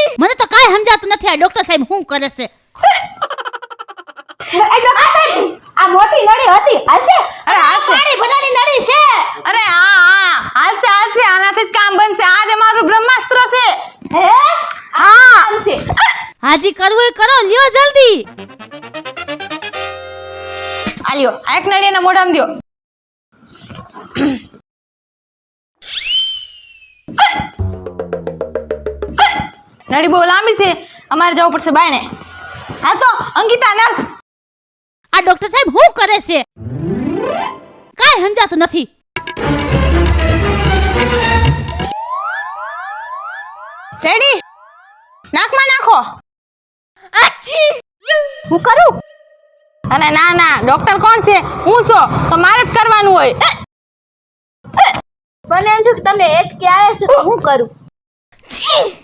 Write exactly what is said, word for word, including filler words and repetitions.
મને તો કાઈ સમજાતું નથી આ ડોક્ટર સાહેબ શું કરે છે. એ ડોક્ટર સાહેબ આ મોટી નળી હતી હાલશે? અરે હાલશે. પાણી ભરાની નળી છે. અરે હા હા હાલશે હાલશે આનાથી જ કામ બનશે. આ જ અમારું બ્રહ્માસ્ત્ર છે. હે હા હાલશે. હાજી કરવું એ કરો, લ્યો જલ્દી. આલ્યો આ એક નળી એના મોઢામાં દ્યો. નળી બહુ લાંબી છે, અમારે જવું પડશે બાયણે. હા તો અંકિતા નર્સ. આ ડોક્ટર સાહેબ શું કરે છે? કાઈ સમજાતું નથી. રેડી નાકમાં નાખો. આછી હું કરું? અરે ના ના ડોક્ટર કોણ છે? હું છો તો મારે જ કરવાનું હોય. મને એમ થયું કે તમને એટકી આવે છે તો હું કરું.